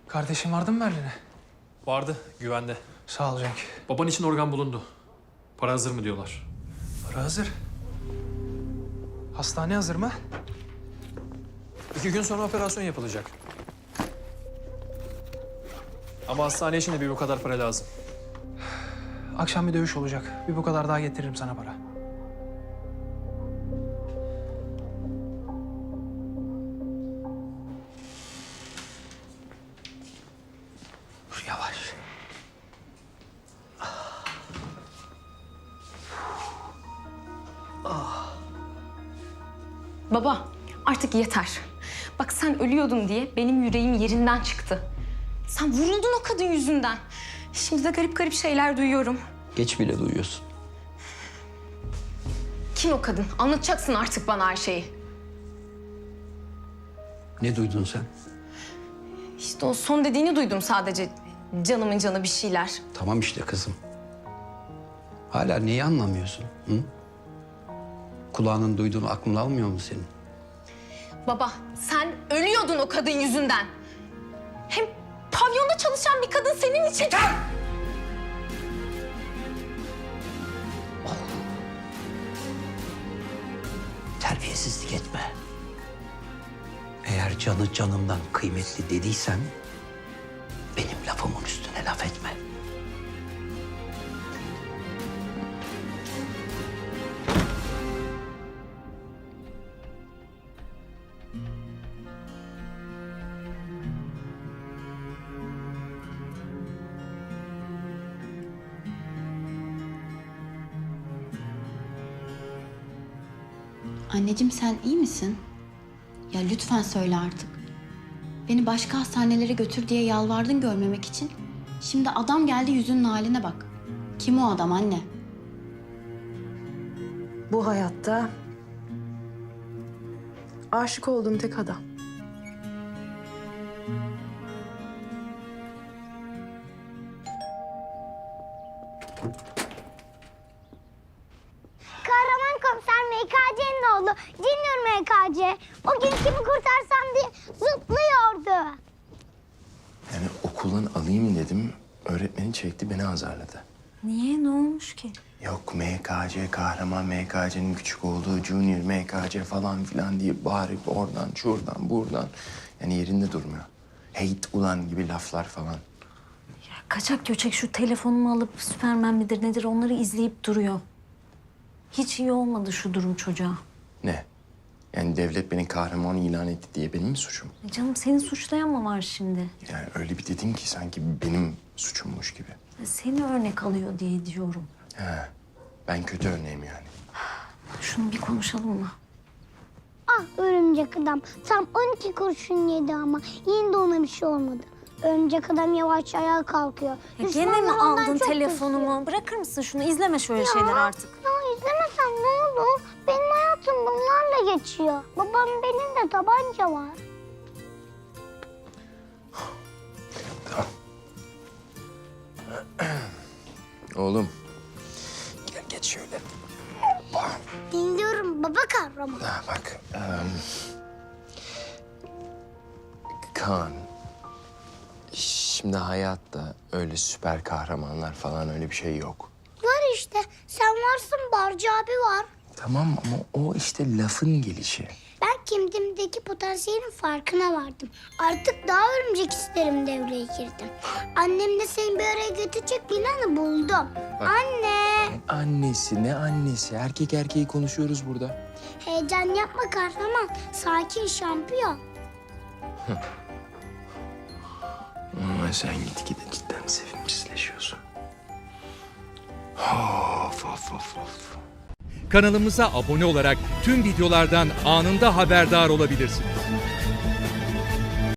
Kardeşin vardı mı Berlin'e? Vardı, güvende. Sağ ol Cenk. Baban için organ bulundu. Para hazır mı diyorlar. Para hazır. Hastane hazır mı? 2 gün sonra operasyon yapılacak. Ama hastane için de bir bu kadar para lazım. Akşam bir dövüş olacak. Bir bu kadar daha getiririm sana para. Dur yavaş. Baba, artık yeter. Bak sen ölüyordun diye benim yüreğim yerinden çıktı. Sen vuruldun o kadın yüzünden. Şimdi de garip garip şeyler duyuyorum. Geç bile duyuyorsun. Kim o kadın? Anlatacaksın artık bana her şeyi. Ne duydun sen? İşte o son dediğini duydum sadece. Canımın canı bir şeyler. Tamam işte kızım. Hala neyi anlamıyorsun? Hı? Kulağının duyduğunu aklın almıyor mu senin? Baba, sen ölüyordun o kadın yüzünden. Hem pavyonda çalışan bir kadın senin için... Yeter! Terbiyesizlik etme. Eğer canı canımdan kıymetli dediysen... benim lafımın üstüne laf etme. Anneciğim sen iyi misin? Ya lütfen söyle artık. Beni başka hastanelere götür diye yalvardın görmemek için. Şimdi adam geldi yüzünün haline bak. Kim o adam anne? Bu hayatta aşık olduğum tek adam. Kahraman komiser MKC'nin oğlu Junior MKC. O gün kimi kurtarsam diye zıplıyordu. Yani okuldan alayım dedim. Öğretmeni çekti, beni azarladı. Niye? Ne olmuş ki? Yok MKC, kahraman MKC'nin küçük olduğu Junior MKC falan filan diye bağırıp oradan, şuradan, buradan. Yani yerinde durmuyor. Hate ulan gibi laflar falan. Ya kaçak göçek şu telefonumu alıp Süpermen midir nedir onları izleyip duruyor. Hiç iyi olmadı şu durum çocuğa. Ne? Yani devlet beni kahraman ilan etti diye benim mi suçum? Canım seni suçlayan mı var şimdi? Yani öyle bir dedim ki sanki benim suçummuş gibi. Seni örnek alıyor diye diyorum. He, ben kötü örneğim yani. Şunu bir konuşalım mı? Ah örümcek adam tam 12 kurşun yedi ama yine de ona bir şey olmadı. Örümcek adam yavaş ayağa kalkıyor. Ya gene mi Düşmanlar ondan aldın çok telefonumu? kızıyor. Bırakır mısın şunu? İzleme şöyle şeyler artık. Ya izlemesem ne olur? Benim hayatım bunlarla geçiyor. Babam benim de tabanca var. Tamam. Oğlum. Gel geç şöyle. Hoppa. Dinliyorum baba kahraman. Ha, bak. Kaan. Şimdi hayatta öyle süper kahramanlar falan öyle bir şey yok. Var işte. Sen varsın, Barcı abi var. Tamam ama o işte lafın gelişi. Ben kendimdeki potansiyelin farkına vardım. Artık daha örümcek hislerim devreye girdi. Annem de seni bir araya götürecek planı buldum. Bak. Anne! Annesi ne annesi? Erkek erkeği konuşuyoruz burada. Heyecan yapma kahraman. Sakin şampiyon. Ama sen gitgide cidden sevimsizleşiyorsun. Of of of of. Kanalımıza abone olarak tüm videolardan anında haberdar olabilirsiniz.